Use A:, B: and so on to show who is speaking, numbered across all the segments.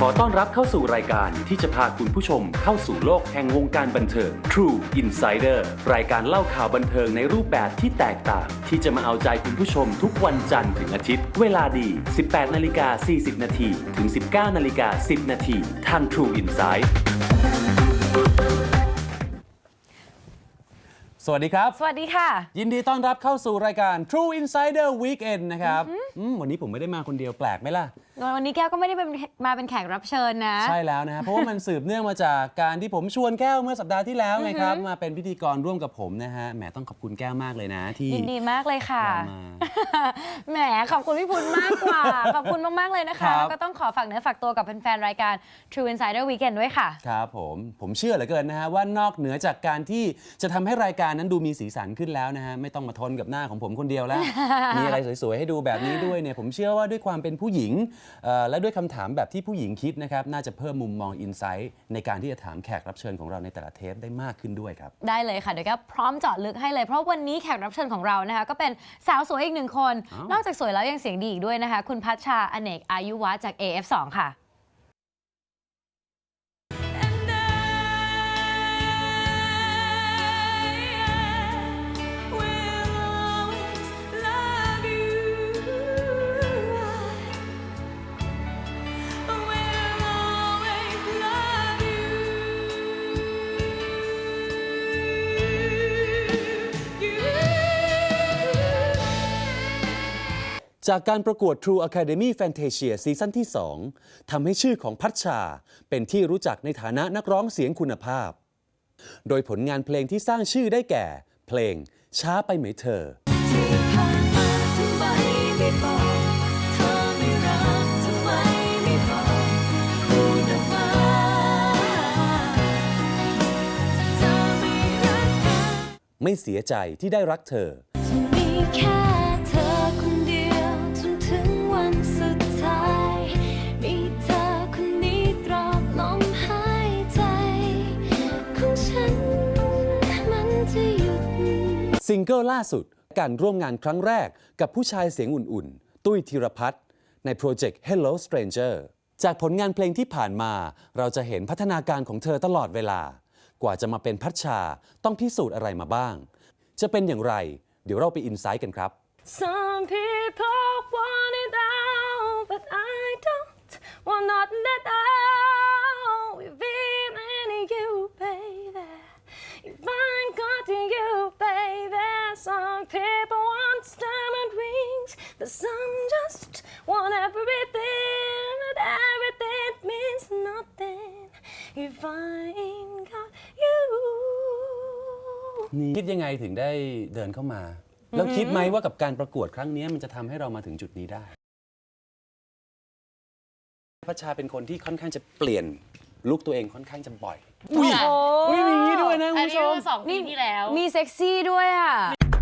A: ต้อนรับเข้าสู่รายการที่จะพาคุณผู้ชมเข้าสู่โลกแห่งวงการบันเทิง True Insider รายการเล่าข่าวบันเทิงในรูปแบบที่แตกต่างที่จะมาเอาใจคุณผู้ชมทุกวันจันทร์ถึงอาทิตย์เวลาดี 18:40 น.ถึง 19:10 น.ทาง True Insight
B: สวัสดีครับ
C: สวัสดีค่ะ
B: ยินดีต้อนรับเข้าสู่รายการ True Insider Weekend นะครับวันนี้ผมไม่ได้มาคนเดียวแปลกไหมล่ะ
C: วันนี้แก้วก็ไม่ได้มาเป็นแขกรับเชิญนะ
B: ใช่แล้วนะครับเพราะว่ามันสืบเนื่องมาจากการที่ผมชวนแก้วเมื่อสัปดาห์ที่แล้วไงครับมาเป็นพิธีกรร่วมกับผมนะฮะแหมต้องขอบคุณแก้วมากเลยนะที่
C: ยินดีมากเลยค่ะแหมขอบคุณพี่พุนมากกว่าขอบคุณมากๆเลยนะคะแล้วก็ต้องขอฝากเนื้อฝากตัวกับแฟนๆรายการ True Insider Weekend ด้วยค่ะ
B: ครับผมเชื่อเหลือเกินนะฮะว่านอกเหนือจากการที่จะทำให้รายการนั้นดูมีสีสันขึ้นแล้วนะฮะไม่ต้องมาทนกับหน้าของผมคนเดียวแล้ว มีอะไรสวยๆให้ดูแบบนี้ด้วยเนี่ยผมเชื่อว่าด้วยความเป็นผู้หญิงและด้วยคำถามแบบที่ผู้หญิงคิดนะครับน่าจะเพิ่มมุมมองอินไซต์ในการที่จะถามแขกรับเชิญของเราในแต่ละเทปได้มากขึ้นด้วยครับ
C: ได้เลยค่ะเดี๋ยวก็พร้อมเจาะลึกให้เลยเพราะวันนี้แขกรับเชิญของเรานะคะก็เป็นสาวสวยอีกหนึ่งคนนอกจากสวยแล้วยังเสียงดีอีกด้วยนะคะคุณพัชชาอเนกอายุวัฒน์จาก AF2 ค่ะ
B: จากการประกวด True Academy Fantasia ซีซั่นที่ 2 ทำให้ชื่อของพัชชาเป็นที่รู้จักในฐานะนักร้องเสียงคุณภาพ โดยผลงานเพลงที่สร้างชื่อได้แก่ เพลงช้าไปไหมเธอไม่เสียใจที่ได้รักเธอซิงเกิลล่าสุดการร่วมงานครั้งแรกกับผู้ชายเสียงอุ่นๆตุ้ยธีรพัฒน์ในโปรเจกต์ Hello Stranger จากผลงานเพลงที่ผ่านมาเราจะเห็นพัฒนาการของเธอตลอดเวลากว่าจะมาเป็นพัชชาต้องพิสูจน์อะไรมาบ้างจะเป็นอย่างไรเดี๋ยวเราไปอินไซต์กันครับ
D: Some people want it all but I don't want nothing at all if it ain't you baby if I got you baby some people want diamond rings but some just want everything but everything means nothing if I ain't got you
B: คิดยังไงถึงได้เดินเข้ามาแล้วคิดไหมว่ากับการประกวดครั้งนี้มันจะทำให้เรามาถึงจุดนี้ได้พัชชาเป็นคนที่ค่อนข้างจะเปลี่ยนลุคตัวเองค่อนข้างจะบ่อยอุ้ยมีอย่างนี้ด้วยนะคุณผู้ชม
D: 2 ปีที่แล้ว
C: มีเซ็กซี่ด้วยอ่ะ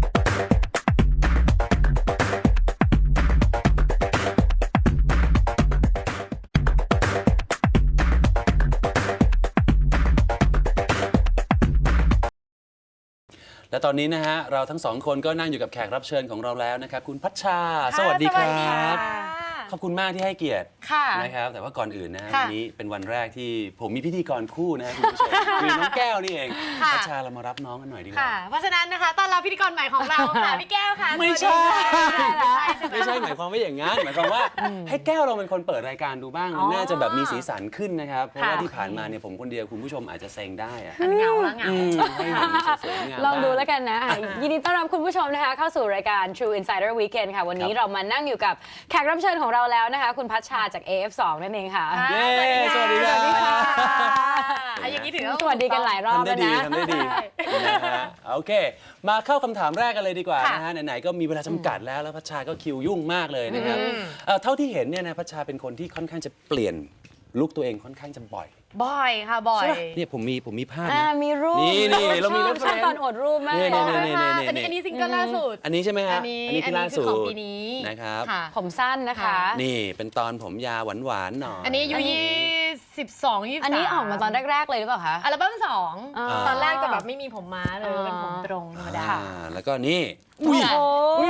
B: และตอนนี้นะฮะเราทั้งสองคนก็นั่งอยู่กับแขกรับเชิญของเราแล้วนะครับคุณพัชชาสวัสดีครับขอบคุณมากที่ให้เกียรตินะครับแต่ว่าก่อนอื่นนะวันนี้เป็นวันแรกที่ผมมีพิธีกรคู่นะคุณผู้ชมคือน้องแก้วนี่เองพัชชาเรามารับน้องกันหน่อยดีกว่า
D: เพราะฉะนั้นนะคะต้อนรับพิธีกรใหม่ของเราค่ะพี่แก้วค่ะ
B: ไม่ใช่หมายความว่าอย่างนั้นหมายความว่าให้แก้วเราเป็นคนเปิดรายการดูบ้างมันน่าจะแบบมีสีสันขึ้นนะครับเพราะว่าที่ผ่านมาเนี่ยผมคนเดียวคุณผู้ชมอาจจะเซ็งได้อะ
D: เหงาละเหงา
B: ให้เห็นสวยงาม
C: ลองดูแล้วกันนะยินดีต้อนรับคุณผู้ชมนะคะเข้าสู่รายการ True Insider Weekend ค่ะวันนี้เรามานั่งอยู่กับแขกรับเชิญของเราแล้วนะคะคุณพัชชาจาก AF2 นั่นเองค่ะ
B: สวัสดีค่ะ
D: อย่างนี้ถือว่า
C: สวัสดีกันหลายรอบแล้วนะ
B: ทำได้ดีโอเคมาเข้าคำถามแรกกันเลยดีกว่านะฮะไหนๆก็มีเวลาจำกัดแล้วพัชชาก็คิวยุ่งมากเลยนะครับเท่าที่เห็นเนี่ยนะพัชชาเป็นคนที่ค่อนข้างจะเปลี่ยนลุคตัวเองค่อนข้างจะบ่อย
D: ค่ะบ่อย
B: เนี่ยผมมีภาพ
C: มีรูป
B: นี่เรามีรูป
C: ชอบตอนอดรูปมาก
D: อันนี้ซิงเกิลล่าสุด
B: อันนี้ใช่ไหมฮะ
D: อันนี้คือล่าสุดของปีนี้
B: นะครับ
C: ผมสั้นนะคะ
B: นี่เป็นตอนผมยาวหวานๆหน่อย
D: อันนี้อายุ12 23
C: อันนี้ออกมาตอนแรกๆเลยหรือเปล่าคะ
D: อัลบั้ม2ตอนแรกจะแบบไม่มีผมม้าเลยเป็นผมตรงธรรมดา
B: แล้วก็นี่อุ้ยมีอย่างนี้ด้วย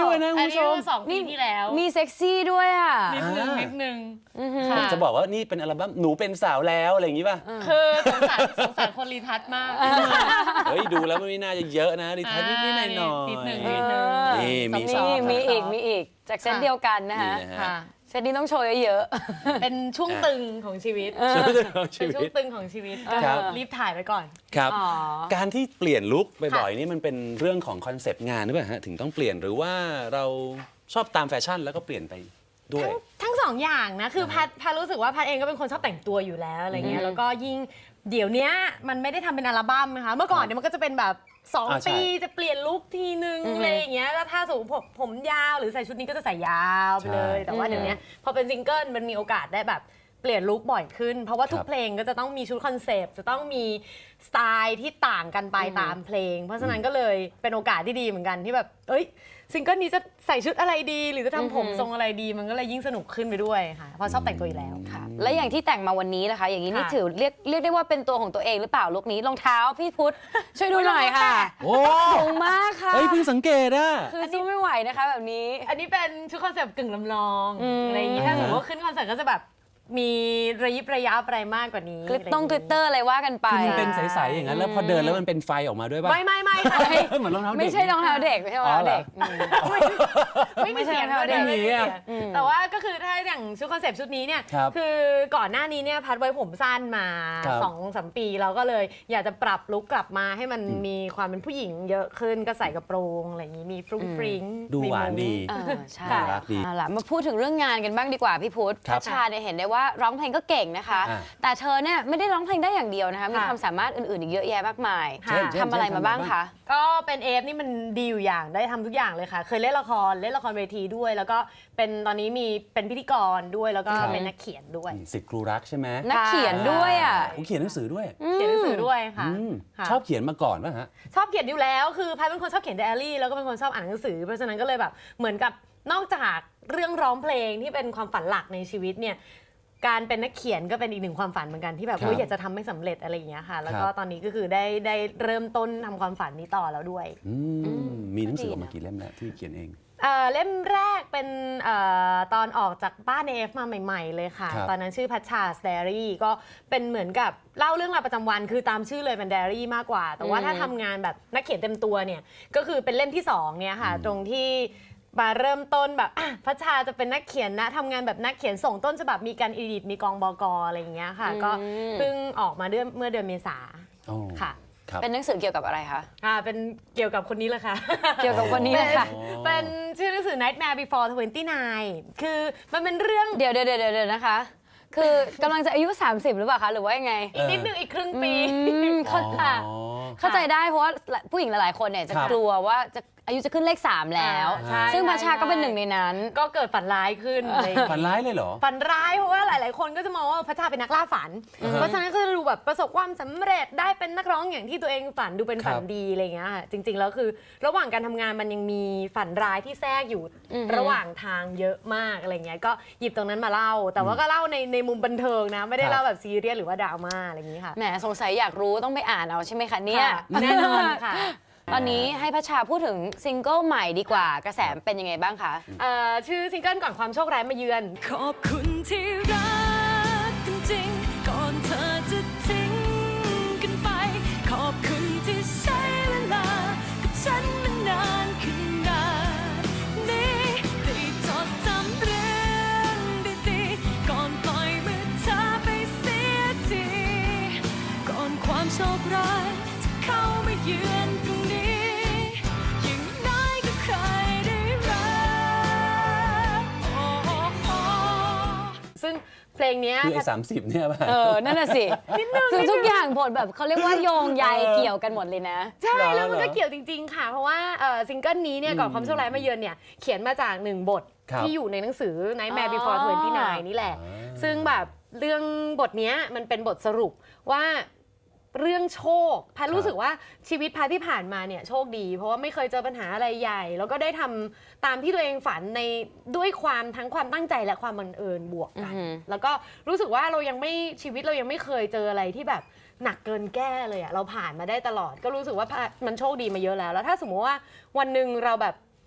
B: ด้วยนะคุณ
D: อัน
B: ผู้ช
D: นี้
B: ม
D: เมื่อ2 ปีที่แล้ว
C: มีเซ็กซี่ด้วยอ่ะ
D: นิดนึงนิดนึง
B: ผมจะบอกว่านี่เป็นอัลบั้มหนูเป็นสาวแล้วอะไรอย่างนี้ป่ะ
D: คือสงสารคนรีทัชมาก
B: เฮ้ยดูแล้วมันไม่น่าจะเยอะนะดิทัศน์นิดๆหน่อยๆ
D: นิดหนึ่ง
B: นี่มีส
C: นี่
B: อง
C: มีอีกจากเซตเดียวกันนะคะ
B: นี่นะฮะ
D: ค่ะ
C: เซตนี้ต้องโชว์เยอะ
D: เป็นช่วงตึงของชีวิต
B: ชีวิตของชี
D: เป็นช่ว
B: วิ
D: ง
B: ต
D: ตึงของชีวิต
B: ครับ
D: รีบถ่ายไว้ก่อน
B: ครับ
C: อ๋อ
B: การที่เปลี่ยนลุคบ่อยๆนี่มันเป็นเรื่องของคอนเซปต์งานหรือเปล่าฮะถึงต้องเปลี่ยนหรือว่าเราชอบตามแฟชั่นแล้วก็เปลี่ยนไปด้วย
D: ทั้งสองอย่างนะ คือพัดรู้สึกว่าพัดเองก็เป็นคนชอบแต่งตัวอยู่แล้วอะไรเงี้ย แล้วก็ยิ่งเดี๋ยวเนี้ยมันไม่ได้ทำเป็นอัลบั้มนะคะ เมื่อก่อนเนี่ยมันก็จะเป็นแบบ2
B: ใช่
D: ปีจะเปลี่ยนลุคทีนึงอะไรอย่างเงี้ย แล้วถ้าสมมติผมยาวหรือใส่ชุดนี้ก็จะใส่ยาวไปเลย แต่ว่าเดี๋ยวเนี้ยพอเป็นซิงเกิลมันมีโอกาสได้แบบเปลี่ยนลุคบ่อยขึ้น เพราะว่าทุกเพลงก็จะต้องมีชุดคอนเซปต์จะต้องมีสไตล์ที่ต่างกันไปตามเพลง เพราะฉะนั้นก็เลยเป็นโอกาสที่ดีเหมือนกันที่แบบเอ้ยซิงเกิลนี้จะใส่ชุดอะไรดี หรือจะทำผมทรงอะไรดี มันก็เลยยิ่งสนุกขึ้นไปด้วยค่ะเพราะชอบแต่งตัวอยู่แล้ว
C: ๆค่ะ และอย่างที่แต่งมาวันนี้นะคะ อย่างนี้นี่
D: ค่ะ
C: ถือเรียกได้ว่าเป็นตัวของตัวเองหรือเปล่าลุคนี้รองเท้าพี่พุทธช่วยดูหน่อยค่ะ
B: โอ้
C: สูงมากค่ะ
B: เฮ้ยเพิ่งสังเกตอ่ะ
C: คือสู้ไม่ไหวนะคะแบบนี้
D: อันนี้เป็นชุดคอนเซปต์กึ่งลำลอง
C: อืม
D: อะไรอย่างงี้ถ้าสมมติว่าขึ้นคอนเสิร์ตก็จะแบบมีระยิบระยับอะไรมากกว่านี้
C: กลิตเตอร์อะไรว่ากันไป
B: คือมันเป็นใสๆอย่างนั้นแล้วพอเดินแล้วมันเป็นไฟออกมาด้วยป่ะ
D: ไม่ค่ะ
B: เหมือนรองเท้าเด็ก
C: ไม่ใช่รองเท้าเด็กไม่ใช่รองเท้าเด็ก
D: ไม่มีเสียงด้วย
B: ไม่มีอะ
D: แต่ว่าก็คือถ้าอย่างชุดคอนเซปต์ชุดนี้เนี่ย
B: ครับ
D: คือก่อนหน้านี้เนี่ยพัดไว้ผมสั้นมา
B: ครับ
D: 2-3 ปีเราก็เลยอยากจะปรับลุคกลับมาให้มันมีความเป็นผู้หญิงเยอะขึ้นก็ใส่กระโปรงอะไรอย่างนี้มีฟรุ้งฟริ้ง
B: ดูหวานดี
C: ใช่
B: น่ารักดี
C: เอาล่ะมาพูดถึงเรื่องงานกันบ้างดีกว่าพี่พุทธ
B: ครั
C: พั
B: บ
C: ชชาเนี่ยเห็นได้ว่าร้องเพลงก็เก่งนะคะ
B: อ่า
C: แต่เธอเนี่ยไม่ได้ร้องเพลงได้อย่างเดียวนะคะ มี
D: ค่ะ
C: ความสามารถอื่นๆอีกเยอะแยะมากมาย
D: ค่ะ
C: ทำอะไรมาบ้างคะ
D: ก็เป็นเอฟนี่มันดีอยู่อย่างได้ทำทุกอย่างเลยค่ะ เคยเล่นละครเวทีด้วย แล้วก็เป็นตอนนี้มีเป็นพิธีกรด้วยแล้วก็
B: ครับ
D: เป็นนักเขียนด้วย
B: สิทธิ์ครูรักใช่ไหม
C: นักเขียนด้วยอ่ะ
B: ผมเขียนหนังสือด้วย
D: เขียนหนังสือด้วยค่ะ
B: อืม
D: ค่ะ
B: ชอบเขียนมาก่อนป่ะฮะ
D: ชอบเขียนอยู่แล้วคือพายเป็นคนชอบเขียนไดอารี่แล้วก็เป็นคนชอบอ่านหนังสือเพราะฉะนั้นก็เลยแบบเหมือนกับนอกจากเรื่องร้องเพลงที่เป็นความฝันหลักในชีวิตเนี่ยการเป็นนักเขียนก็เป็นอีกหนึ่งความฝันเหมือนกันที่แบบ
B: ครับ
D: เฮ้ยอยากจะทำให้สำเร็จอะไรอย่างเงี้ยค่ะ แล้วก็
B: ครับ
D: ตอนนี้ก็คือได้เริ่มต้นทำความฝันนี้ต่อแล้วด้วย
B: มีหนังสือออกมากี่เล่มแล้วที่เขียนเอง
D: เล่มแรกเป็นตอนออกจากบ้าน AF มาใหม่ๆเลยค่ะ
B: ครับ
D: ตอนนั้นชื่อพัชชาสเตอรี่ก็เป็นเหมือนกับเล่าเรื่องราวประจำวันคือตามชื่อเลยเป็นไดอารี่มากกว่า แต่ว่าถ้าทำงานแบบนักเขียนเต็มตัวเนี่ยก็คือเป็นเล่มที่2เนี่ยค่ะ ตรงที่มาเริ่มต้นแบบพัชชาจะเป็นนักเขียนนะทำงานแบบนักเขียนส่งต้นฉบับมีการอีดิทมีกองบกอะไรอย่างเงี้ยค่ะ ก็เพิ่งออกมาเมื่อเดือนเมษา
B: อ๋อ
D: ค่ะ
B: ครับ
C: เป็นหนังสือเกี่ยวกับอะไรคะ
D: เป็นเกี่ยวกับคนนี้แหละค่ะ
C: เกี่ยวกับคนนี้เลยค่ะ
D: เป็นชื่อหนังสือ Nightmare Before 29 คือมันเป็นเรื่อง
C: เดี๋ยวนะคะ คือกำลังจะอายุ 30 หรือเปล่าคะ หรือว่ายังไง
D: อีกนิดนึงอีกครึ่งปี
C: เข้าใจ
B: อ๋อ
C: เข้าใจได้เพราะว่าผู้หญิงหลายๆคนเนี่ยจะ
B: ครับ
C: กลัวว่าจะอายุจะขึ้นเลข 3 แล้ว
D: ใช่
C: ซึ่ง
D: ใช่
C: พัชชาก็เป็น
D: ใช่
C: หนึ่งในนั้น
D: ก็เกิดฝันร้ายขึ้นอะไรอย่าง
B: ฝัน
D: เงี้ย
B: ร้ายเลยเหรอ
D: ฝันร้ายเพราะว่าหลาย ๆ คนก็จะมองว่าพระชาเป็นนักล่าฝัน เพราะฉะนั้นก็จะดูแบบประสบความสำเร็จได้เป็นนักร้องอย่างที่ตัวเองฝันดูเป็นฝัน
B: ครับ
D: ดีอะไรอย่างเงี้ยค่ะจริง ๆ แล้วคือระหว่างการทำงานมันยังมีฝันร้ายที่แทรกอยู่ระหว่างทางเยอะมากอะไรเงี้ยก็หยิบตรงนั้นมาเล่า แต่ว่าก็เล่าในมุมบันเทิงนะไม่ได้
B: ครับ
D: เล่าแบบซีเรียสหรือว่าดราม่าอะไรอย่างงี้ค่ะ
C: แหมสงสัยอยากรู้ต้องไปอ่านเอาใช่ไหมคะเนี่ย
D: ค่ะแน่นอนค่ะ
C: ตอนนี้ให้พัชชาพูดถึงซิงเกิลใหม่ดีกว่า กระแสเป็นยังไงบ้างคะ
D: ชื่อซิงเกิลก่อนความโชคร้ายมาเยือน
E: ขอบคุณที่รักจริงๆ ก่อนเธอจะทิ้งกันไป ขอบคุณที่ใช้เวลากับฉันมานานขนาดนี้ได้จดจำเรื่องดีๆ ก่อนปล่อยมือเธอไปเสียที ก่อนความโชคร้ายจะเข้ามาเยือนตรงนี้ อย่างน้อยก็เคยได้รัก
D: ซึ่งเพลงเนี้ย
B: คือไอ้30 เนี่ยป่ะ
C: นั่นน่ะสิคือทุกอย่างผลแบบเขาเรียกว่าโยงใยเกี่ยวกันหมดเลยนะ
D: ใช่ แล้วมัน
B: เหร
D: ก็
B: อ
D: เกี่ยวจริง ๆ ค่ะ เพราะว่าซิงเกิลนี้เนี่ยก่อนความโชคร้ายมาเยือนเนี่ยเขียนมาจาก1 บท
B: ครับ
D: ที่อยู่ในหนังสือ Nightmare
C: อ๋อ
D: Before 29 นี่แหละ ซึ่งแบบเรื่องบทเนี้ยมันเป็นบทสรุปว่าเรื่องโชคพันรู้สึกว่าชีวิตพันที่ผ่านมาเนี่ยโชคดี เพราะว่าไม่เคยเจอปัญหาอะไรใหญ่ แล้วก็ได้ทำตามที่ตัวเองฝันในด้วยความทั้งความตั้งใจและความบังเอิญบวกกัน แล้วก็รู้สึกว่าเรายังไม่ชีวิตเรายังไม่เคยเจออะไรที่แบบหนักเกินแก้เลยอะเราผ่านมาได้ตลอด ก็รู้สึกว่ามันโชคดีมาเยอะแล้ว แล้วถ้าสมมติว่าวันหนึ่งเราแบบ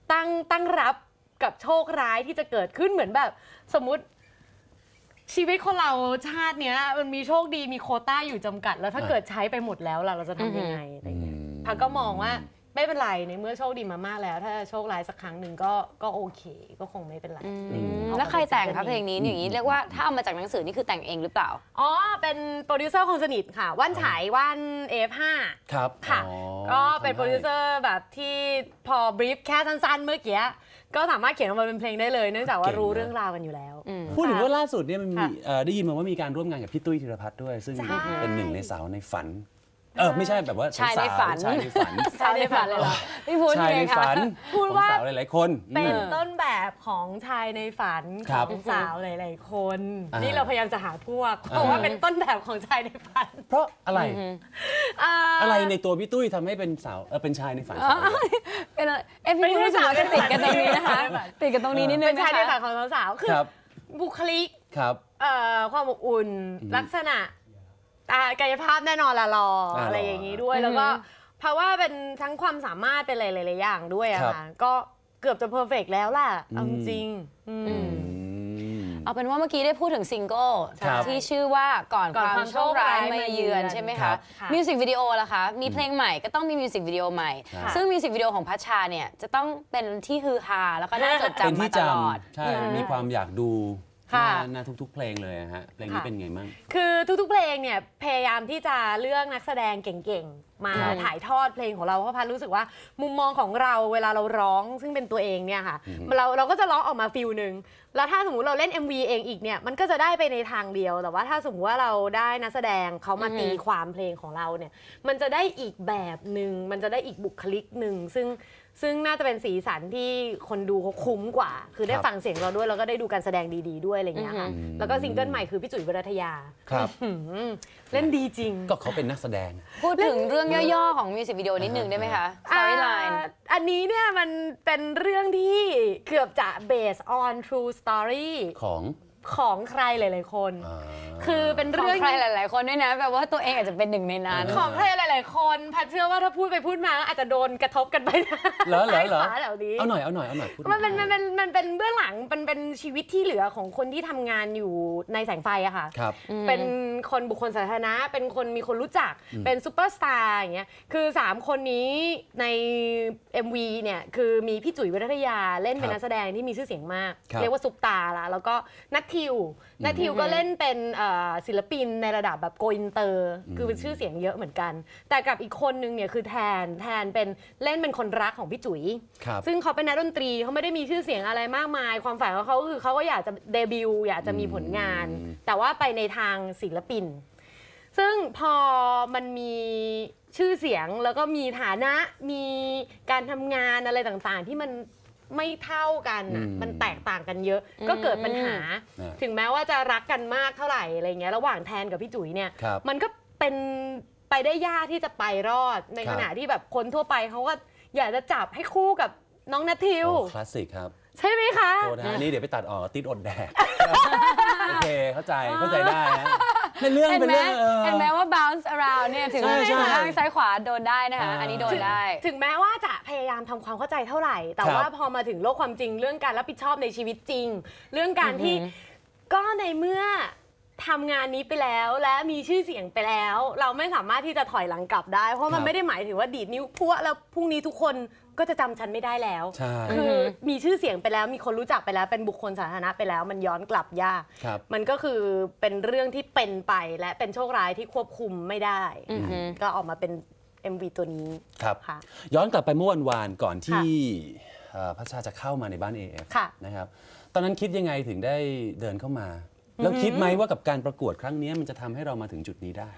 D: ตั้งรับกับโชคร้ายที่จะเกิดขึ้นเหมือนแบบสมมุติชีวิตคนเราชาติเนี้ยมันมีโชคดีมีโควต้าอยู่จำกัด แล้วถ้าเกิดใช้ไปหมดแล้วล่ะเราจะทำยังไงอะไรเงี้ยพักก็มองว่าไม่เป็นไรในเมื่อโชคดีมามากแล้ว ถ้าโชคร้ายสักครั้งหนึ่งก็โอเคก็คงไม่เป็นไร
C: แล้วใครแต่งคะเพลงนี้อย่างนี้เรียกว่าถ้าเอามาจากหนังสือนี่คือแต่งเองหรือเปล่า
D: อ๋อเป็นโปรดิวเซอร์คนสนิทค่ะว่านฉายว่าน F5
B: ครับ
D: ค่ะ
B: อ๋อ
D: ก็เป็น
B: ทำให้
D: โปรดิวเซอร์แบบที่พอบรีฟแค่สั้นๆเมื่อกี้ก็สามารถเขียนออกมาเป็นเพลงได้เลยเนื่องจากว่ารู้เรื่องราวกันอยู่แล้ว
B: พูดถึงว่าล่าสุดเนี่ยมันมี
D: ค่ะ
B: ได้ยินมาว่ามีการร่วมงานกับพี่ตุ้ยธีรพัฒน์ด้วย ซึ่ง
D: ใช่
B: เป็นหนึ่งในสาวในฝัน ไม่ใช่แบบว่า
C: ชายในฝัน
B: ชายในฝัน
C: สาวในฝันเลยเหรอพี่พูด
B: ชาย
C: ไง
B: ใน
C: คะ
B: ฝัน
D: พูด
B: ของ
D: ว่า
B: สาวหลายๆคน
D: เป็นต้นแบบของชายในฝัน
B: ค
D: ข
B: รั
D: อบ งสาวหลายๆคน
B: นี่
D: นี่เราพยายามจะหาพวกเพราะว่าเป็นต้นแบบของชายในฝัน
B: เพราะอะไร
D: อ่า
B: อะไรในตัวพี่ตุ้ยทำให้เป็นสาวเป็นชายในฝันสาวได้
C: เป็นอะไรพี่พูดรู้สึกว่าจะติดกันตรงนี้นะคะ ติดกันตรงนี้นิดนึง
D: เป็น
C: นะ
D: ชายในฝั
C: คะ
D: นของสาวๆคือ
B: ครับ
D: บุคลิก
B: ครับ
D: ความอบอุ่นลักษณะกายภาพแน่นอนละรออะไรอย่างนี้ด้วย แล้วก็เพราะว่าเป็นทั้งความสามารถเป็นหลายๆอย่างด้วยอะค่ะก็เกือบจะเพอร์เฟกต์แล้วล่ะเอาจริง
C: เอาเป็นว่าเมื่อกี้ได้พูดถึงซิงเกิล
B: ครับ
C: ที่ชื่อว่าก่อน
D: ก่อน
C: ความโชคร้ายมาเยือนใช่ไหม
B: ครั
C: คะ
B: บ
C: มิวสิกวิดีโอล่ะคะมีเพลงใหม่ก็ต้องมีมิวสิกวิดีโอใหม่
B: ครับ
C: ซึ่งมิวสิกวิดีโอของพัชชาเนี่ยจะต้องเป็นที่ฮือฮาแล้วก็น่าจด
B: เป็น
C: จำมา
B: ที่
C: ต
B: จ
C: ลอด
B: ำใช่ มีความอยากดูห
D: ค่ะ
B: น้าทุกๆเพลงเลยอะฮะเพลงนี้เป็นไงบ้าง
D: คือทุกๆเพลงเนี่ยพยายามที่จะเลือกนักแสดงเก่งๆ มา
B: ครับ
D: ถ่ายทอดเพลงของเราเพราะพันรู้สึกว่ามุมมองของเราเวลาเราร้องซึ่งเป็นตัวเองเนี่ยค่ะเราก็จะร้องออกมาฟิลหนึ่งแล้วถ้าสมมุติเราเล่น MV เองอีกเนี่ยมันก็จะได้ไปในทางเดียวแต่ว่าถ้าสมมติว่าเราได้นักแสดงเขามาตีความเพลงของเราเนี่ยมันจะได้อีกแบบหนึ่งมันจะได้อีกบุคลิกหนึ่งซึ่งน่าจะเป็นสีสันที่คนดูเขาคุ้มกว่า คือได้
B: ครับ
D: ฟังเสียงเราด้วยแล้วก็ได้ดูการแสดงดีๆด้วยอะไรอย่างเงี้ยค่ะแล้วก็ซิงเกิลใหม่คือพี่จุ๋ยวรัตยา
B: ครับ
D: เล่นดีจริง
B: ก็เขาเป็นนักแสดง
C: พูดถึงเรื่องย่อๆของมิวสิกวิดีโอนิดนึงได้ไหมคะ storyline
D: อันนี้เนี่ยมันเป็นเรื่องที่เกือบจะ based on true story ของใครหลายๆคน คือเป็น
C: ขอ
D: เรื่อง ง
C: ใครหลายๆคนด้วยนะแบบว่าตัวเองอาจจะเป็นหนึ่งในนั้น
D: ของใครหลายๆคนพัดเชื่อว่าถ้าพูดไปพูดมาอาจจะโดนกระทบกันไปนะ
B: เหรอ
D: ซ้ายขวาแถวนี้
B: เอาหน่อยพูด
D: มันเป็นเบื้องหลังเป็นชีวิตที่เหลือของคนที่ทำงานอยู่ในแสงไฟอะค่ะ
B: ครับ
D: เป็นคนบุคคลสาธารณะเป็นคนมีคนรู้จักเป็นซูเปอร์สตาร์อย่างเงี้ยคือ3คนนี้ใน MV เนี่ยคือมีพี่จุ๋ยวรัตยาเล่นเป็น
B: ครับ
D: นักแสดงที่มีชื่อเสียงมาก
B: ครับ
D: เรียกว่าซุปตาร์ละแล้วก็นัททิวก็เล่นเป็นศิลปินในระดับแบบโกอินเตอร์คือเป็นชื่อเสียงเยอะเหมือนกัน แต่กับอีกคนนึงเนี่ยคือแทนเป็นเล่นเป็นคนรักของพี่จุ๋ย
B: ครับ
D: ซึ่งเขาเป็นนักดนตรีเขาไม่ได้มีชื่อเสียงอะไรมากมาย ความฝันของเขาก็คือเขาก็อยากจะเดบิวต์อยากจะมีผลงาน แต่ว่าไปในทางศิลปิน ซึ่งพอมันมีชื่อเสียงแล้วก็มีฐานะมีการทำงานอะไรต่างๆ ที่มันไม่เท่ากันน่ะมันแตกต่างกันเยอะ ก็เกิดปัญหา ถึงแม้ว่าจะรักกันมากเท่าไหร่อะไรเงี้ยระหว่างแทนกับพี่จุ๋ยเนี่ย
B: ครับ
D: มันก็เป็นไปได้ยากที่จะไปรอดใน
B: ครั
D: ข
B: บ
D: ณะที่แบบคนทั่วไปเขาก็อยากจะจับให้คู่กับน้องนัททิว
B: โอ้คลาสสิกครับ
D: ใช่ไหมคะ
B: โทษนะฮะอันนี้เดี๋ยวไปตัดออกติดอดแดก โอเคเข้าใจได้ฮะในเรื่อง
C: เห็น
B: เป็น
C: ไหม
B: เรื่อง
C: เห็นไหมว่า bounce around เนี่ยถึง
B: ใช่ใช่
C: ข้างซ้ายขวาโดนได้นะคะ อันนี้โดนได้
D: ถึงแม้ว่าจะพยายามทำความเข้าใจเท่าไหร่ แต่
B: ครับ
D: ว่าพอมาถึงโลกความจริงเรื่องการรับผิดชอบในชีวิตจริง เรื่องการที่ก็ในเมื่อทำงานนี้ไปแล้วและมีชื่อเสียงไปแล้ว เราไม่สามารถที่จะถอยหลังกลับได้ เพราะมันไม่ได้หมายถึงว่าดีดนิ้วพั่วแล้วพรุ่งนี้ทุกคนก็จะจำฉันไม่ได้แล้ว
B: ใช่
D: คือมีชื่อเสียงไปแล้วมีคนรู้จักไปแล้วเป็นบุคคลสาธารณะไปแล้ว มันย้อนกลับยาก
B: ครับ
D: มันก็คือเป็นเรื่องที่เป็นไปและเป็นโชคร้ายที่ควบคุมไม่ได้ก็ออกมาเป็น MV ตัวนี้
B: ครับ
D: ค่ะ
B: ย้อนกลับไปเมื่อวันก่อนที่พัชชาจะเข้ามาในบ้าน AF
D: ค่ะ
B: นะครับตอนนั้นคิดยังไงถึงได้เดินเข้ามา แล้วคิดไหมว่ากับการประกวดครั้งนี้มันจะทำให้เรามาถึงจุดนี้ได้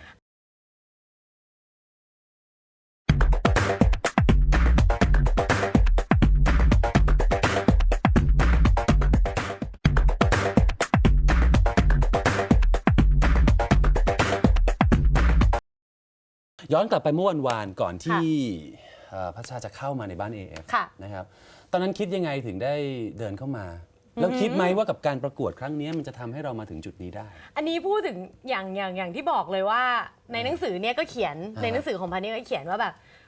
B: ย้อนกลับไปเมื่อวันก่อนที่พัชชาจะเข้ามาในบ้าน AF
D: ค่ะ
B: นะครับตอนนั้นคิดยังไงถึงได้เดินเข้ามา แล้วคิดไหมว่ากับการประกวดครั้งนี้มันจะทำให้เรามาถึงจุดนี้ได้
D: อันนี้พูดถึงอย่างที่บอกเลยว่าในหนังสือเนี่ยก็เขียนในหนังสือของพันนี่ก็เขียนว่าแบบ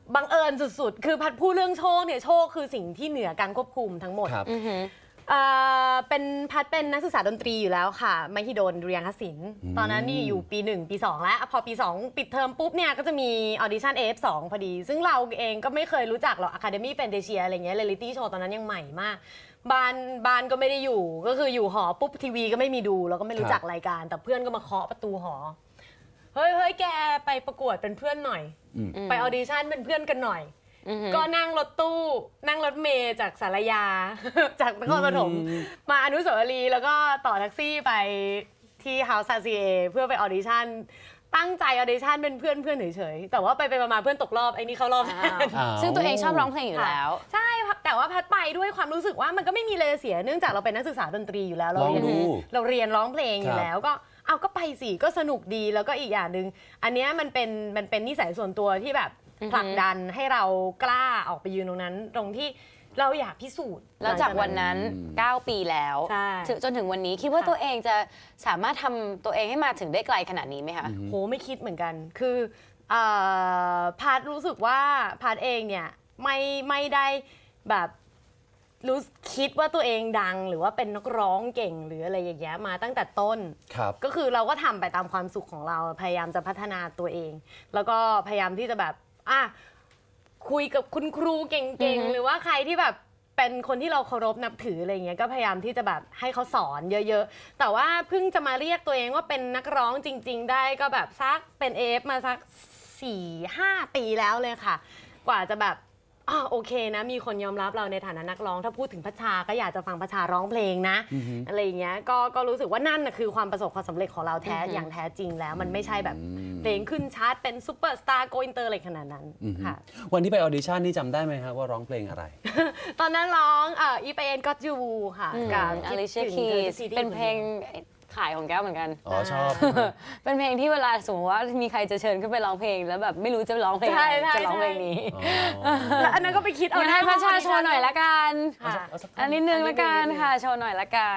D: บังเอิญสุดๆคือพัดพูดเรื่องโชคเนี่ยโชคคือสิ่งที่เหนือการควบคุมทั้งหมด
B: ครับ
D: เป็นพัดเป็นนักศึกษาดนตรีอยู่แล้วค่ะมหิดลดุริยางคศิลป์ตอนนั้นนี่อยู่ปี 1 ปี 2 แล้วพอปี 2 ปิดเทอมปุ๊บเนี่ยก็จะมีออดิชั่น AF2 พอดี ซึ่งเราเองก็ไม่เคยรู้จักหรอก Academy Fantasia อะไรเงี้ยเรียลิตี้โชว์ตอนนั้นยังใหม่มากบ้านก็ไม่ได้อยู่ก็คืออยู่หอปุ๊บทีวีก็ไม่มีดูแล้วก็ไม่รู้จักรายการ แต่เพื่อนก็มาเคาะประตูหอเฮ้ยแกไปประกวดเป็นเพื่อนหน่อยไปออดิชั่นเป็นเพื่อนกันหน่อยก็นั่งรถตู้นั่งรถเมล์จากสารยา จากนครปฐมมาอนุสาวรีย์แล้วก็ต่อแท็กซี่ไปที่ House RCA เพื่อไปออดิชั่นตั้งใจออดิชั่นเป็นเพื่อนเฉยๆแต่ว่าไปมาเพื่อนตกรอบไอ้นี่เข้ารอบแทน
C: ซึ่งตัวเองชอบร้องเพลงอยู่แล้ว
D: ใช่แต่ว่าพัดไปด้วยความรู้สึกว่ามันก็ไม่มีเลยเสียเนื่องจากเราเป็นนักศึกษาดนตรีอยู่แล้วเราเรียนร้องเพลงอยู่แล้วก็ไปสิก็สนุกดีแล้วก็อีกอย่างหนึ่งอันเนี้ยมันเป็นนิสัยส่วนตัวที่แบบผลักดันให้เรากล้าออกไปยืนตรงนั้นตรงที่เราอยากพิสูจน์
C: แล้วจากวันนั้น 9 ปีแล้ว
D: ใช่
C: จนถึงวันนี้คิดว่าตัวเองจะสามารถทำตัวเองให้มาถึงได้ไกลขนาดนี้ไหมคะ
D: โหไม่คิดเหมือนกันคือพาร์ทรู้สึกว่าพาร์ทเองเนี่ยไม่ได้แบบรู้คิดว่าตัวเองดังหรือว่าเป็นนักร้องเก่งหรืออะไรอย่างเงี้ยมาตั้งแต่ต้น
B: ครับ
D: ก็คือเราก็ทำไปตามความสุขของเราพยายามจะพัฒนาตัวเอง แล้วก็พยายามที่จะแบบคุยกับคุณครูเก่งๆหรือว่าใครที่แบบเป็นคนที่เราเคารพนับถืออะไรเงี้ยก็พยายามที่จะแบบให้เขาสอนเยอะๆแต่ว่าเพิ่งจะมาเรียกตัวเองว่าเป็นนักร้องจริงๆได้ก็แบบสักเป็นAFมาสัก 4-5 ปีแล้วเลยค่ะกว่าจะแบบโอเคนะมีคนยอมรับเราในฐานะนักร้องถ้าพูดถึงพัชชาก็อยากจะฟังพัชชาร้องเพลงนะอะไรอย่างเงี้ยก็รู้สึกว่านั่นนะคือความประสบความสำเร็จของเราอย่างแท้จริงแล้วมันไม่ใช่แบบเพลงขึ้นชาร์ตเป็นซูเปอร์สตาร์โกอินเตอร์อะไรขนาดนั้นค่ะ
B: วันที่ไปออดิชั่นนี่จำได้ไหมครับว่าร้องเพลงอะไร
D: ตอนนั้นร้องอีไปเอ็นก็จูค่ะกับ
C: Alicia Keys เป็นเพลงขายของแก้วเหมือนกัน
B: อ๋อชอบ
C: เป็นเพลงที่เวลาสมมติว่ามีใครจะเชิญขึ้นไปร้องเพลงแล้วแบบไม่รู้จะร้องเพลงอะไร
D: ใช่
C: จะร้องเพลงนี้
D: แล้วอันนั้นก็ไปคิดเอา
C: งั้นให้พัชชาโชว์หน่อยละกัน
D: ค่ะ
C: อันนิดนึงละกันค่ะโชว์หน่อยละกัน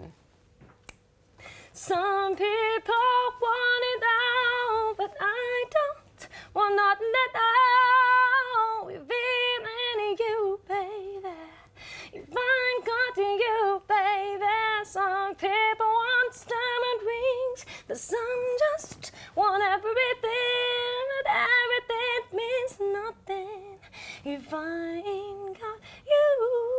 D: Some people want it out but I don't want nothing at all with you baby if I'm got to you baby some people want diamond rings but some just want everything but everything means nothing if I ain't got you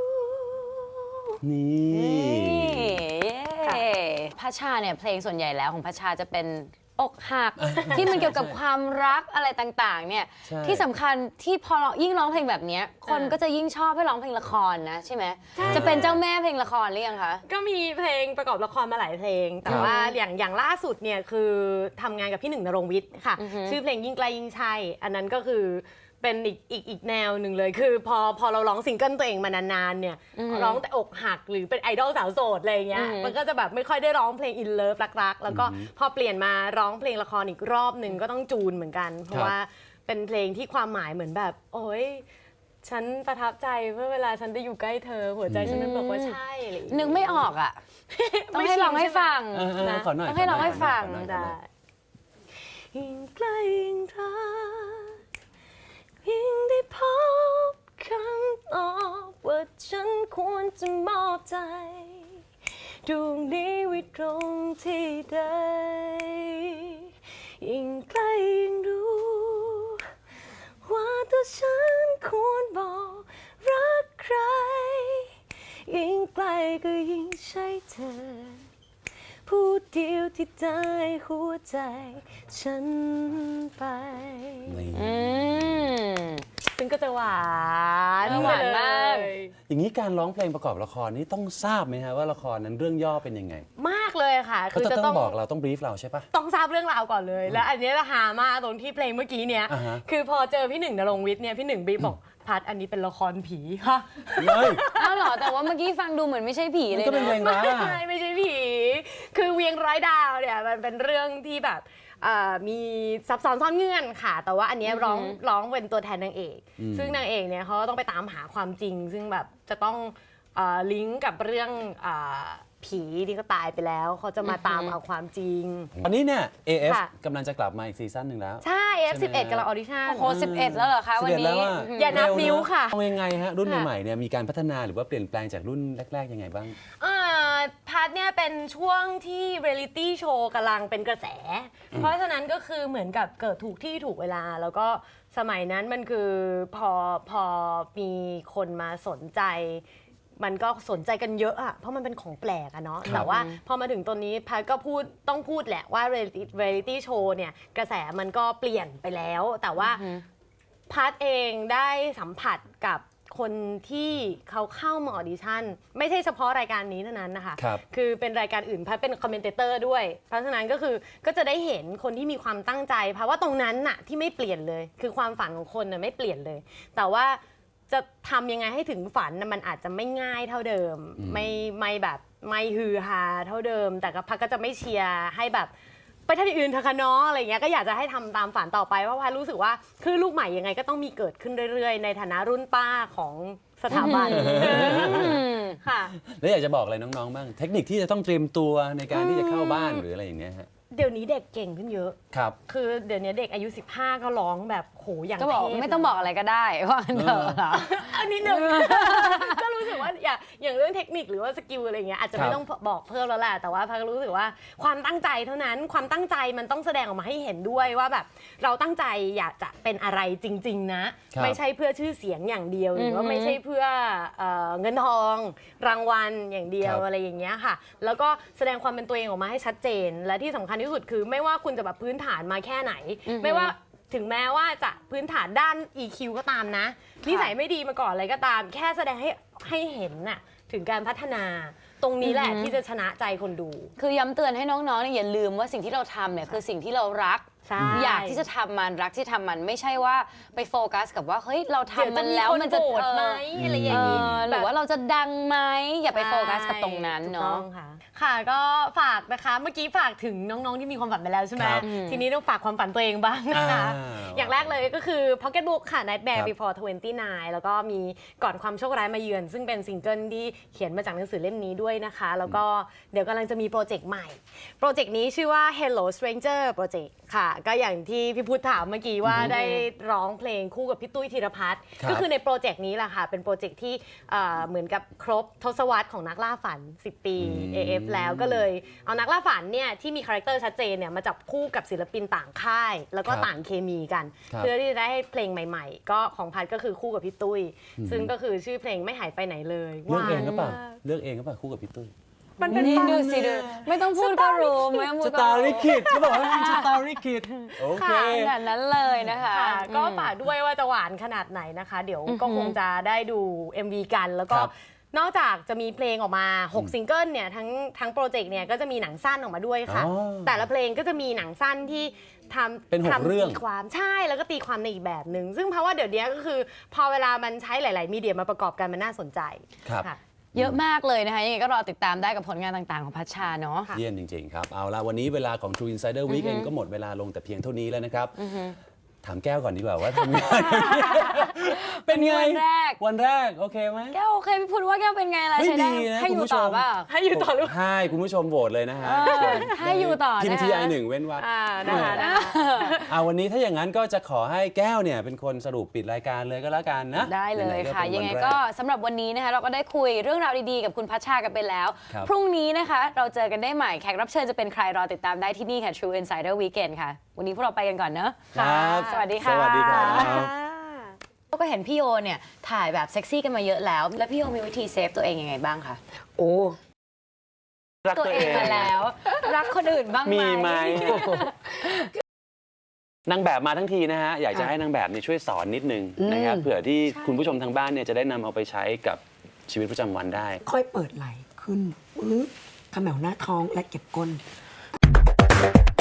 B: นี่
C: พัชชาเนี่ยเพลงส่วนใหญ่แล้วของพัชชาจะเป็นอกหัก ที่มันเกี่ยวกับความรักอะไรต่างๆเนี่ย
B: ใช่
C: ที่สำคัญที่พอยิ่งร้องเพลงแบบเนี้ยคนก็จะยิ่งชอบให้ร้องเพลงละครนะใช่ไหมจะเป็นเจ้าแม่เพลงละครหรือยังคะ
D: ก็มีเพลงประกอบละครมาหลายเพลง แต่ว่าอย่างล่าสุดเนี่ยคือทำงานกับพี่หนึ่งณรงค์วิทย์ค่ะ ชื่อเพลงยิ่งไกลยิ่งใช่อันนั้นก็คือเป็นอีกแนวหนึ่งเลยคือพอเราร้องซิงเกิลตัวเองมานานๆเนี่ยร้องแต่อกหักหรือเป็นไอดอลสาวโสดอะไรอย่างเงี้ยมันก็จะแบบไม่ค่อยได้ร้องเพลงอินเลิฟรักๆแล้วก็พอเปลี่ยนมาร้องเพลงละครอีกรอบหนึ่งก็ต้องจูนเหมือนกันเพราะว่าเป็นเพลงที่ความหมายเหมือนแบบโอ้ยฉันประทับใจเมื่อเวลาฉันได้อยู่ใกล้เธอหัวใจฉันนั้นบอกว่าใช่อะไรอย่างเงี้ย
C: นึกไม่ออกอ่ะ ต้องให้ร้องให้ฟัง
B: นะ ขอหน่อย
C: ต้องให้ร้องให้ฟัง
B: ขอหน่อย
D: ได้ยิ่งใกล้ยิ่งรักยิ่งได้พบคำตอบว่าฉันควรจะมอบใจดวงนี้ไว้ตรงที่ใดยิ่งใกล้ยิ่งรู้ว่าตัวฉันควรบอกรักใครยิ่งไกลก็ยิ่งใช่เธอผู้เดียวที่ได้หัวใจฉันไป ซึ่งก็จะหวาน
C: หวานมาก
D: เลย
B: อย่างนี้การร้องเพลงประกอบละครนี่ต้องทราบไหมฮะว่าละครนั้นเรื่องย่อเป็นยังไง
D: มากเลยค่ะ
B: เขาจะต้องบอกเราต้องบรีฟเราใช่ปะ
D: ต้องทราบเรื่องราวก่อนเลย แล้วอันเนี้ยฮามากตรงที่เพลงเมื่อกี้เนี้ย
B: อ่าฮะ
D: คือพอเจอพี่หนึ่งณรงค์วิทย์เนี่ยพี่หนึ่งบีบอกพัดอันนี้เป็นละครผีค่ะ
B: เฮ้ย
C: อ้าวเหรอแต่ว่าเมื่อกี้ฟังดูเหมือนไม่ใช่ผี
B: มัน
C: เลย
B: ก็เป็นเพล
C: นะ
B: งรักอะ
D: ไม่ใช่ผี คือเวียงร้อยดาวเนี่ยมันเป็นเรื่องที่แบบมีซับซ้อนซ่อนเงื่อนค่ะ แต่ว่าอันเนี้ยร้องเป็นตัวแทนนางเอก ซึ่งนางเอกเนี่ยเขาก็ต้องไปตามหาความจริง ซึ่งแบบจะต้องลิงก์กับเรื่องผผีที่ก็ตายไปแล้วเขาจะมาตามเอาความจริง
B: ตอนนี้เนี่ย AF
D: ค่ะ
B: กำลังจะกลับมาอีกซีซั่นหนึ่งแล้ว
D: ใช่
B: ใช่ไหม
D: F11 กำลังออดิชั่น
C: โอ้โห11 แล้วเหรอคะวัน
B: 11
C: นี้
B: แล้วอะ
D: อย่านับ
B: เร็
D: นิ้ว
B: เอะ
D: ค่ะ
B: เอายังไงฮะรุ่น
D: ค่ะ
B: ใหม่ๆเนี่ยมีการพัฒนาหรือว่าเปลี่ยนแปลงจากรุ่นแรก ๆยังไงบ้าง
D: พาร์ทเนี่ยเป็นช่วงที่เรียลิตี้โชว์กำลังเป็นกระแส เพราะฉะนั้นก็คือเหมือนกับเกิดถูกที่ถูกเวลา แล้วก็สมัยนั้นมันคือพอมีคนมาสนใจ มันก็สนใจกันเยอะอะเพราะมันเป็นของแปลกอะเนาะ
B: ครับ
D: แต่ว่าพอมาถึงตอนนี้พัดก็ต้องพูดแหละว่าเรียลิตี้โชว์เนี่ยกระแสมันก็เปลี่ยนไปแล้ว แต่ว่าพัดเองได้สัมผัสกับคนที่เขาเข้ามาออดิชั่นไม่ใช่เฉพาะรายการนี้เท่านั้นนะคะ
B: ครับ
D: คือเป็นรายการอื่นพัดเป็นคอมเมนเตอร์ด้วย เพราะฉะนั้นก็คือก็จะได้เห็นคนที่มีความตั้งใจเพราะว่าตรงนั้นน่ะที่ไม่เปลี่ยนเลย คือความฝันของคนน่ะไม่เปลี่ยนเลย แต่ว่าจะทำยังไงให้ถึงฝันน่ะมันอาจจะไม่ง่ายเท่าเดิม ไม่แบบไม่ฮือฮาเท่าเดิม แต่ก็พัดก็จะไม่เชียร์ให้แบบไปทำอย่างอื่นเถอะค่ะน้องอะไรเงี้ยก็อยากจะให้ทำตามฝันต่อไปเพราะพัดรู้สึกว่าคือลูกใหม่ยังไงก็ต้องมีเกิดขึ้นเรื่อยๆ ในฐานะรุ่นป้าของสถาบันค่ะ
B: แล้วอยากจะบอกอะไรน้องๆบ้างเทคนิคที่จะต้องเตรียมตัวในการที่จะเข้าบ้านหรืออะไรอย่างเงี้ยฮะ
D: เดี๋ยวนี้เด็กเก่งขึ้นเยอะ
B: ครับ
D: คือเดี๋ยวนี้เด็กอายุ 15 ก็ร้องแบบโหอย่าง
C: ก็บอก
D: เทพ
C: ไม่ต้องบอกอะไรก็ได้ว่างั้นเถอะเหรอ
D: อันนี้หนึ่ง ก็รู้สึกว่าอย่างเรื่องเทคนิคหรือว่าสกิลอะไรเงี้ยอาจจะไม่ต้องบอกเพิ่มแล้วแหละแต่ว่าพักรู้สึกว่าความตั้งใจเท่านั้นความตั้งใจมันต้องแสดงออกมาให้เห็นด้วยว่าแบบเราตั้งใจอยากจะเป็นอะไรจริง ๆ นะ
B: ครับ
D: ไม่ใช่เพื่อชื่อเสียงอย่างเดียวหรือว่าไม่ใช่เพื่อเงินทองรางวัลอย่างเดียวอะไรอย่างเงี้ยค่ะ แล้วก็แสดงความเป็นตัวเองออกมาให้ชัดเจน และที่สำคัญที่สุดคือไม่ว่าคุณจะแบบพื้นฐานมาแค่ไหน ไม่ว่าถึงแม้ว่าจะพื้นฐานด้าน EQ ก็ตามนะนิสัยไม่ดีมาก่อนอะไรก็ตาม แค่แสดงให้เห็นน่ะถึงการพัฒนา ตรงนี้แหละที่จะชนะใจคนดู
C: คือย้ำเตือนให้น้องๆเนี่ยอย่าลืมว่าสิ่งที่เราทำเนี่ยคือสิ่งที่เรารัก
D: ใช่
C: อยากที่จะทำมันรักที่ทำมันไม่ใช่ว่าไปโฟกัสกับว่าเฮ้ยเราทำมันแล้วมันจะ
D: โกรธไหมอะไรอย่างนี้
C: หรือว่าเราจะดังไหมอย่าไปโฟกัสกับตรงนั้น
D: ถูก
C: เนาะ
D: ต้องค่ะค่ะก็ฝากนะคะเมื่อกี้ฝากถึงน้องๆที่มีความฝันไปแล้วใช่ไหม
B: ครับ
D: ทีนี้ต้องฝากความฝันตัวเองบ้างนะคะ อย่างแรกเลยก็คือ Pocket Book ค่ะ Nightmare
B: ครับ
D: Before 29 แล้วก็มีก่อนความโชคร้ายมาเยือน ซึ่งเป็นซิงเกิลที่เขียนมาจากหนังสือเล่มนี้ด้วยนะคะ แล้วก็เดี๋ยวกำลังจะมีโปรเจกต์ใหม่ โปรเจกต์นี้ชื่อว่า Hello Stranger Project ค่ะ ก็อย่างที่พี่พุทธถามเมื่อกี้ว่าได้ร้องเพลงคู่กับพี่ตุ้ยธีรพัฒน์
B: ครับ
D: ก็คือในโปรเจกต์นี้แหละค่ะ เป็นโปรเจกต์ที่เหมือนกับครบทศวรรษของนักล่าฝัน 10 ปี AF แล้วก็เลยเอานักล่าฝันเนี่ยที่มีคาแรคเตอร์ชัดเจนเนี่ยมาจับคู่กับศิลปินต่างค่าย แล้วก็
B: ครับ
D: ต่างเคมีกัน
B: ครับ
D: เพื่อที่จะได้ให้เพลงใหม่ๆ ก็ของพัดก็คือคู่กับพี่ตุ้ย ซึ่งก็คือชื่อเพลงไม่หายไปไหนเลย
B: เลือกเองหรือเปล่า
D: หวานมาก
B: เลือกเองหรือเปล่าคู่กับพี่ตุ้ย
D: มันเป็น
C: นี่
D: ความ
C: ดูสิดูไม่ต้องพูดก็รู้ไม่ต้องพู
B: ส
C: ดก็
B: ตาร์
C: รู้
B: ริคิดเขาบอกว่าเป็นสตาร์ริคิดโอเค
C: ขนาดนั้นเลยนะคะ
D: ค่ะก็ฝากด้วยว่าจะหวานขนาดไหนนะคะ เดี๋ยวก็คงจะได้ดู MV กันแล้วก็
B: ครับ
D: นอกจากจะมีเพลงออกมา 6 ซิงเกิลเนี่ยทั้งโปรเจกต์เนี่ยก็จะมีหนังสั้นออกมาด้วยค่ะ
B: อ๋อ
D: แต่ละเพลงก็จะมีหนังสั้นที่ทำ
B: เป็น6เรื่อง
D: ตีความใช่แล้วก็ตีความในอีกแบบหนึ่งซึ่งเพราะว่าเดี๋ยวนี้ก็คือ พอเวลามันใช้หลาย ๆ มีเดียมาประกอบกันมันน่าสนใจ
B: ครับ
D: ค่ะ
C: เยอะมากเลยนะคะยังไงก็รอติดตามได้กับผลงานต่างๆของพัชชาเนาะ
D: ค่ะ
B: เยี่ยมจริงๆครับ เอาละวันนี้เวลาของ True Insider Weekend ก็หมดเวลาลงแต่เพียงเท่านี้แล้วนะครับ ถามแก้วก่อนดีกว่าว่าทำงาน เป็นไง
C: วันแรก
B: วันแรก โอเคไหม
C: แก้วโอเคพี่พูดว่าแก้วเป็นไงล่ะ
B: เฮ้ย
C: ใช้ได้
B: ดีนะ
C: ให้
B: คุณ
C: อยู่
B: ผู้ช
C: ต่อ
B: ม
C: เปล่า
D: ให้อยู่ต่อหรือ
B: ให้คุณผู้ชมโหวตเลยนะฮะ
C: ให้อยู่ต่อ
B: พิมพ์
C: นะคะ
B: TI 1เว้นวรรค
D: นะคะ
B: วันนี้ถ้าอย่างนั้นก็จะขอให้แก้วเนี่ยเป็นคนสรุปปิดรายการเลยก็แล้วกันนะ
C: ได้เลย
B: หนๆ
C: ค่ะ
B: เป็น
C: ยังไง
B: วันแร
C: ก็สำหรับวันนี้นะคะเราก็ได้คุยเรื่องราวดีๆกับคุณพัชชากันไปแล้ว
B: ครับ
C: พรุ่งนี้นะคะเราเจอกันได้ใหม่แขกรับเชิญจะเป็นใครรอติดตามได้ที่นี่ค่ะ True Insider Weekend ค่ะ วันนี้พวกเราไปกันก่อนเนอะ
B: ครับ
C: สวัสดีค่ะ
B: สวัสดีครับ
C: ก็เห็นพี่โยเนี่ยถ่ายแบบเซ็กซี่กันมาเยอะแล้ว แล้วพี่โยมีวิธีเซฟตัวเองยังไงบ้างคะ
D: โอ้
B: รัก
C: ตัว
B: ตัว
C: เอ
B: เอง ง
C: มาแล้ว รักคนอื่นบ้างไหม
B: มีไหม นางแบบมาทั้งทีนะฮะ อยากจะให้นางแบบเนี่ยช่วยสอนนิดนึงนะครับเผื่อที่คุณผู้ชมทางบ้านเนี่ยจะได้นำเอาไปใช้กับชีวิตประจำวันได้
F: ค่อยเปิดไหล่ขึ้นปึ๊บเขมวหน้าท้องและเก็บก้น